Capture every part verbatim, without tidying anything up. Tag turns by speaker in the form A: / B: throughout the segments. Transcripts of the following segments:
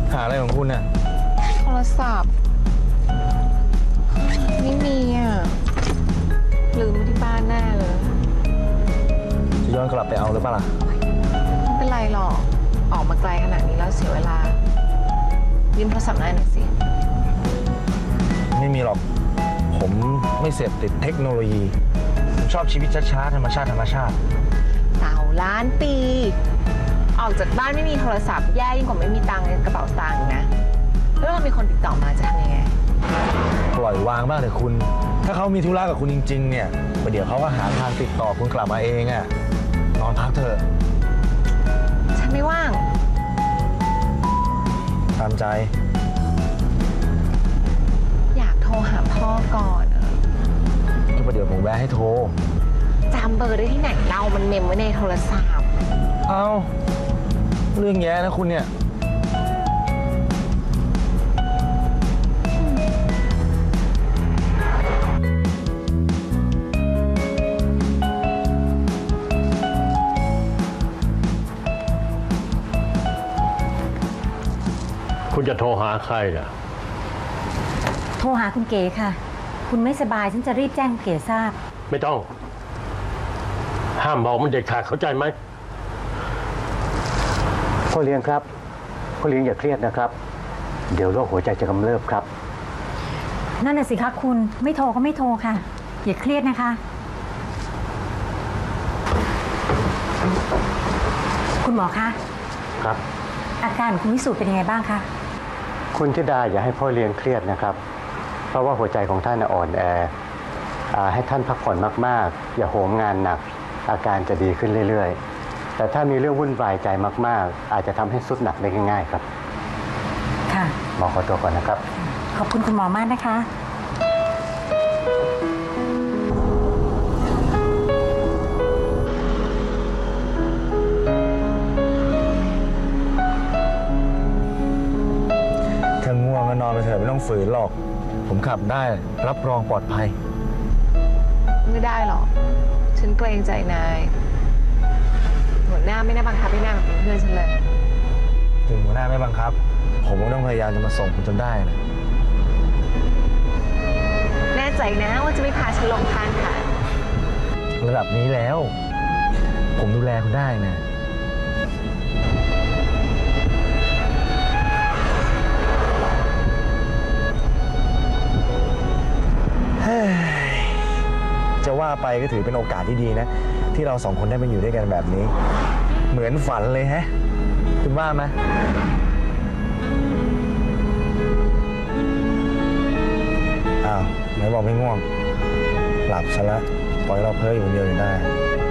A: หาอะไรของคุณน่ะ
B: โทรศัพท์ไม่มีอ่ะลืมไว้ที่บ้านแน่เลย
A: จะย้อนกลับไปเอาหรือเปล่าล่ะ
B: ไม่เป็นไรหรอกออกมาไกลขนาดนี้แล้วเสียเวลายืมโทรศัพท์หน่อยสิ
A: ไม่มีหรอกผมไม่เสพติดเทคโนโลยีผมชอบชีวิตช้าๆธรรมชาติธรรมชาติ
B: เต่าล้านปีออกจากบ้านไม่มีโทรศัพท์แย่ยิ่งกว่าไม่มีตังค์ในกระเป๋าตังค์นะแล้วเรามีคนติดต่อมาจะทำยังไง
A: ปล่อยวางบ้างเถอะคุณถ้าเขามีธุระกับคุณจริงๆเนี่ยประเดี๋ยวเขาก็หาทางติดต่อคุณกลับมาเองอ่ะนอนพักเถอะ
B: ฉันไม่ว่าง
A: ตามใจ
B: อยากโทรหาพ่อก่อน
A: ก็ประเดี๋ยวผมแวะให้โทร
B: จำเบอร์ได้ที่ไหนเรามันเมมไว้ในโทรศัพท์
A: เอาเรื่องแย่นะคุณเนี่ย
C: คุณจะโทรหาใครล่ะ
D: โทรหาคุณเก๋ค่ะคุณไม่สบายฉันจะรีบแจ้งเก๋ทราบ
C: ไม่ต้องห้ามบอกมันเด็ดขาดเข้าใจไหม
E: พ่อเลี้ยงครับพ่อเลี้ยงอย่าเครียดนะครับเดี๋ยวโรคหัวใจจะกำเริบครับ
D: นั่นน่ะสิคะคุณไม่โทรก็ไม่โทรค่ะอย่าเครียดนะคะคุณหมอคะ
E: ครับ
D: อาการของคุณวิสุทธ์เป็นยังไงบ้างคะ
E: คุณธิดาอย่าให้พ่อเลี้ยงเครียดนะครับเพราะว่าหัวใจของท่านอ่อนแอให้ท่านพักผ่อนมากๆอย่าโหมงานหนักอาการจะดีขึ้นเรื่อยๆแต่ถ้ามีเรื่องวุ่นวายใจมากๆอาจจะทำให้สุดหนักได้ง่ายๆครับ
D: ค่ะ
E: หมอขอตัวก่อนนะครับ
D: ขอบคุณคุณหมอมากนะคะ
A: ถ้าง่วงก็นอนไปเถอะไม่ต้องฝืนหรอกผมขับได้รับรองปลอดภัย
B: ไม่ได้หรอกฉันเกรงใจนายหัวหน้าไม่ได้บังคับให้นายมาเป็นเพื่อนฉันเลย
A: ถึงหัวหน้าไม่บังคับผมก็ต้องพยายามจะมาส่งคุณจนได้นะ
B: แน่ใจนะว่าจะไม่พาฉันลงทางค่ะ
A: ระดับนี้แล้วผมดูแลคุณได้นะจะว่าไปก็ถือเป็นโอกาสที่ดีนะที่เราสองคนได้มาอยู่ด้วยกันแบบนี้เหมือนฝันเลยฮะคุณว่าไหมอ้าวไหนบอกไม่ง่วงหลับซะแล้วปล่อยเราเพ้ออยู่คนเดียวอยู่ได้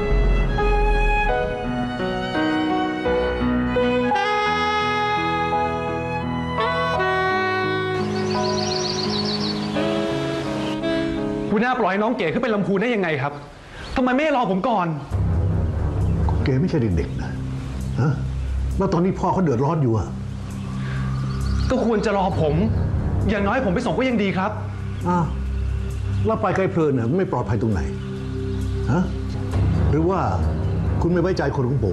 F: คุณน่าปล่อยน้องเก๋ขึ้นไปลำพูนได้ยังไงครับทำไมไม่รอผมก่อน
G: เก๋ไม่ใช่เด็กๆนะฮะแล้วตอนนี้พ่อเขาเดือดร้อนอยู่อะ
F: ก็ควรจะรอผมอย่างน้อยผมไปส่งก็ยังดีครับ
G: อ้าวแล้วไปไกลเพลินน่ะไม่ปลอดภัยตรงไหนฮะหรือว่าคุณไม่ไว้ใจคนของผม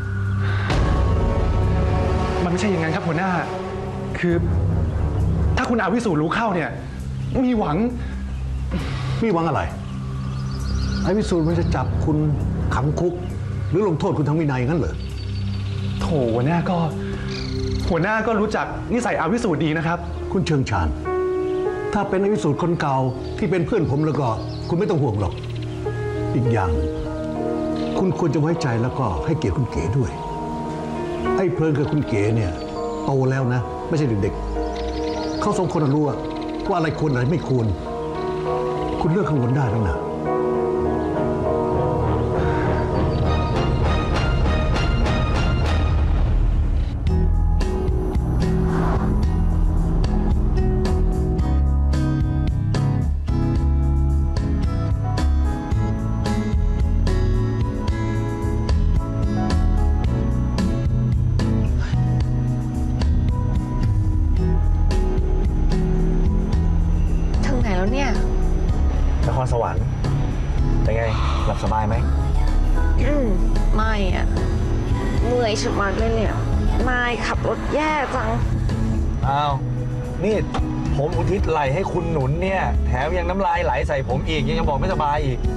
F: มันไม่ใช่อย่างนั้นครับหัวหน้าคือถ้าคุณอาวิสูรู้เข้าเนี่ยมีหวัง
G: มีหวังอะไรไอ้วิสูตรมันจะจับคุณขังคุกหรือลงโทษคุณทางวินัยงั้นเหรอ
F: โถหัวหน้าก็หัวหน้าก็รู้จักนิสัยอาวิสูตรดีนะครับ
G: คุณเชิงชาญถ้าเป็นอาวิสูตรคนเก่าที่เป็นเพื่อนผมแล้วก็คุณไม่ต้องห่วงหรอกอีกอย่างคุณควรจะไว้ใจแล้วก็ให้เกียรติคุณเก๋ด้วยไอ้เพลินกับคุณเก๋เนี่ยโตแล้วนะไม่ใช่เด็กๆเขาสองคนรู้ว่าอะไรควรอะไรไม่ควรคุณเลือกข้างบนได้แล้วนะ
B: ถึงไหนแล้วเนี่ย
A: นครสวรรค์เป็นไงหลับสบายไหม
B: อืมไม่อ่ะเมื่อยชะมัดเลยเนี่ยนายขับรถแย่จัง
A: อ้าวนี่ผมอุทิศไหลให้คุณหนุนเนี่ยแถมยังน้ำลายไหลใส่ผมอีกยังจะบอกไม่สบายอีก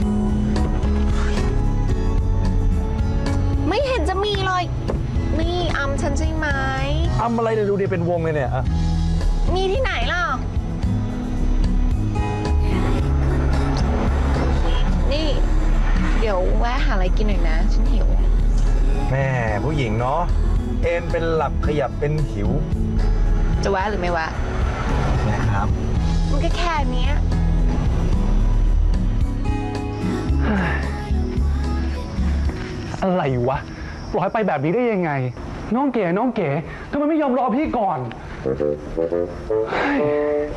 B: ไม่เห็นจะมีเลย นี่อำฉันใช่ไหม
A: ทำอะไรเนี่ยดูดิเป็นวงเลยเนี่ยอะ
B: มีที่ไหนล่ะ นี่ เดี๋ยวแวะหาอะไรกินหน่อยนะ ฉันหิว
A: แม่ผู้หญิงเนาะเอ็นเป็นหลับขยับเป็นหิว
B: จะแวะหรือไม่แวะ
A: นะครับ
B: มันก็แค่เนี้ย
F: อะไรวะปล่อยไปแบบนี้ได้ยังไง น้องเก๋น้องเก๋ทำไมไม่ยอมรอพี่ก่อนเฮ้ย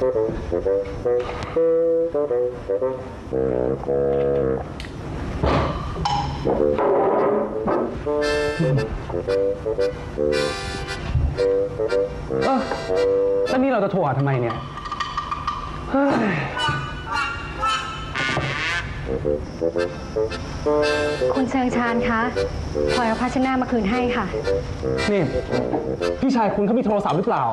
F: เออแล้วนี่เราจะโทรหาทำไมเนี่ยเฮ้ย
H: คุณเชิงชานคะพลอยเอาภาชนะมาคืนให้ค่ะ
F: นี่พี่ชายคุณเขามีโทรศัพท์หรือเปล่า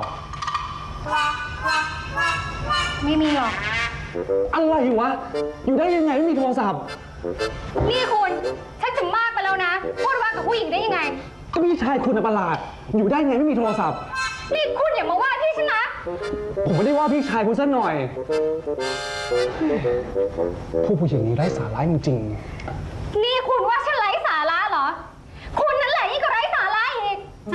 H: ไม่มีหรอก
F: อะไรวะ อยู่ได้ยังไงไม่มีโทรศัพท์
H: นี่คุณชักจะมากไปแล้วนะ พูดว่ากับผู้หญิงได้ยังไง
F: ก็พี่ชายคุณน่ะประหลาด อยู่ได้ไงไม่มีโทรศัพท์
H: นี่คุณอย่ามาว่าพี่ฉันนะ
F: ผมไม่ได้ว่าพี่ชายคุณซะหน่อยผู้ผู้หญิงนี้ไร้สาระจริง
H: นี่คุณว่าฉันไร้สาระเหรอ คุณนั่นแหละยิ่งกว่าไร้สาระอีก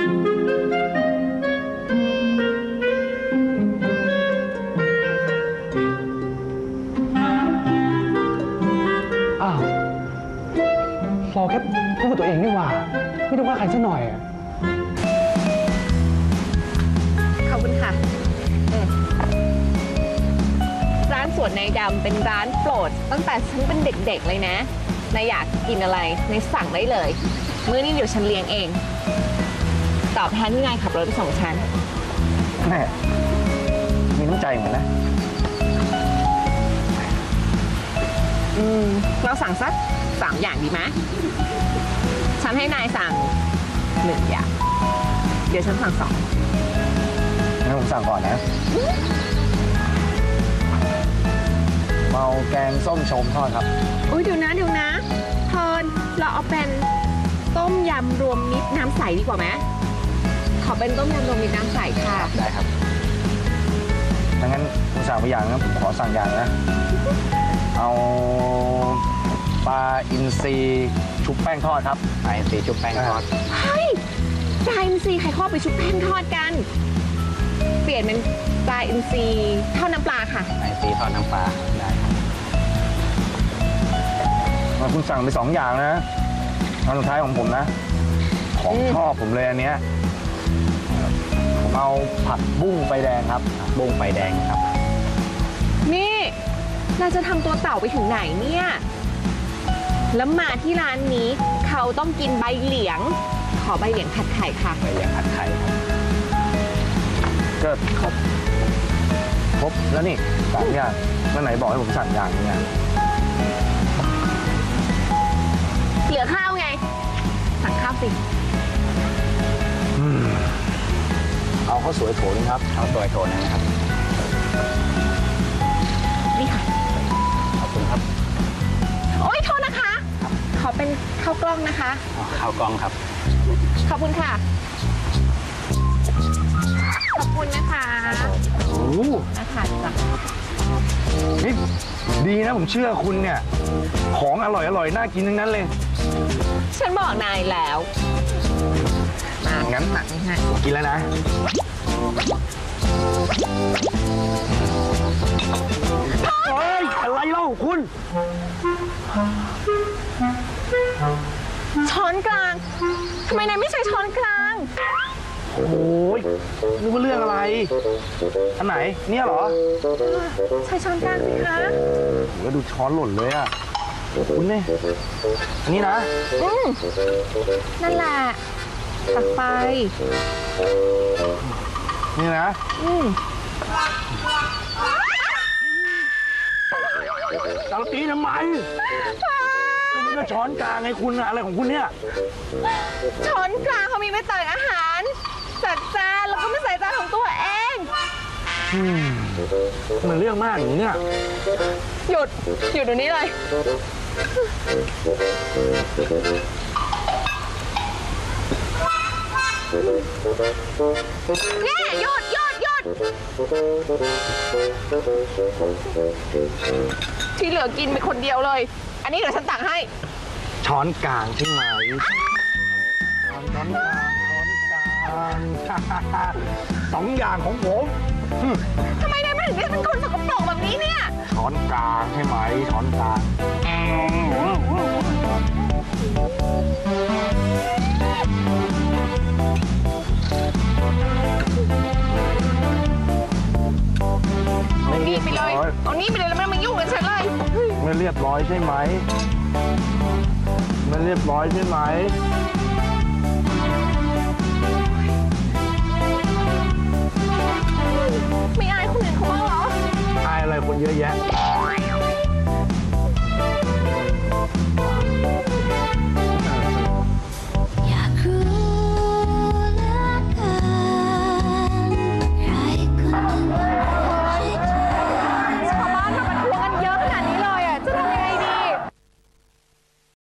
F: ๆอ้าวเราแค่พูดกับตัวเองนี่หว่า ไม่ได้ว่าใครซะหน่อยอะ
B: ขอบคุณค่ะอืมร้านสวนนายดำเป็นร้านโปรด ตั้งแต่ฉันเป็นเด็กๆเลยนะ นายอยากกินอะไรนายสั่งได้เลย มื้อนี้เดี๋ยวฉันเลี้ยงเอง ตอบแทนที่นายขับรถไปส่งฉัน
A: แม่มีน้ำใจเหมือนนะ
B: อืม เราสั่งสักสามอย่างดีไหมฉันให้นายสั่งหนึ่งอย่าง เดี๋ยวฉันสั่งสอง
A: งั้นผมสั่งก่อนนะเมาแกงส้มชมทอดครับ
B: อุ้ยเดี๋ยวนะเดี๋ยวนะเพลินเราเอาเป็นต้มยำรวมมิตรน้ำใสดีกว่าไหมขอเป็นต้มยำรวมมิตรน้ำใสค่ะ
A: ได้ครับถ้างั้นผมสั่งไปอย่างนะผมขอสั่งอย่างนะ เอาปลาอินทรีชุบแป้งทอดครับปลาอินทรีชุบแป้งทอด
B: เฮ้ยปลาอินทรีย์ใครเข้าไปชุบแป้งทอดกัน เปลี่ยนเป็นปลาอินทรีทอดน้ำปลาค่ะ
A: ปลาอินทรีทอดน้ำปลาได้ครับมาคุณสั่งไปสองอย่างนะอันสุดท้ายของผมนะ ของชอบผมเลยอันเนี้ยผมเอาผัดบุ้งไฟแดงครับบุ้งไฟแดงครับ
B: นี่เราจะทำตัวเต่าไปถึงไหนเนี่ย แล้วมาที่ร้านนี้เขาต้องกินใบเหลียง ขอใบเหลียงผัดไข่ค่ะ
A: ใบเหลียงผัดไข่ครับก็ครบครบแล้วนี่สามอย่างแล้วไหนบอกให้ผมสั่งอย่างนี้
B: เหลือข้าวไง สั่งข้าวสิ
A: เอาข้าวสวยโถนึงครับข้าวสวยโถนึงครับ
B: นี่ค่ะ
A: ขอบคุณครับ
B: โอ๊ยโทษนะคะ ขอเป็นข้าวกล้องนะคะ
A: ข้าวกล้องครับ
B: ขอบคุณค่ะ ขอบคุณนะคะ
A: โอ้โห
B: น่าทานจัง
A: นี่ดีนะผมเชื่อคุณเนี่ย ของอร่อยอร่อยน่ากินทั้งนั้นเลย
B: ฉันบอกนายแล้วมา
A: งั้น
B: ตักให้
A: ผมกินแล้วนะ เฮ้ย อะไรเล่าคุณ
B: ช้อนกลาง ทำไมนายไม่ใช้ช้อนกลาง
A: โอ้ยนึกว่าเรื่องอะไร อันไหน เนี่ยเหรอ
B: ใช้ช้อนกลางสิคะ
A: ผมก็ดูช้อนหล่นเลยอ่ะ คุณเนี่ยอันนี้นะ
B: อืมนั่นแหละ ตักไป
A: นี่นะ
B: อืม
A: เราตีทำไมคุณก็ช้อนกลางไงคุณอะอะไรของคุณเนี่ย
B: ช้อนกลางเขามีไว้ตักอาหาร จัดจานแล้วก็ไม่ใส่จานของตัวเอง
A: มันเรื่องมากอย่างนี้เนี่ย
B: หยุด หยุดเดี๋ยวนี้เลย นี่หยุดหยุดหยุดที่เหลือกินไปคนเดียวเลย อันนี้เดี๋ยวฉันตักให้
A: ช้อนกลางใช่ไหมช้อนกลางช้อนกลางสองอย่างของผม
B: ทำไมนายไม่ถึงได้เป็นคนสกปรกแบบนี้เนี่ย
A: ช้อนกลางใช่ไหมช้อนกลาง
B: เอานี่ไปเลย เอานี่ไปเลยแล้วไม่ต้องมายุ่งกับฉันเลย
A: ไม่เรียบร้อยใช่ไหมไม่เรียบร้อยใช่ไหม
B: ไม่อายคนอื่นเขาบ้างเหรอ
A: อายอะไรคนเยอะแยะ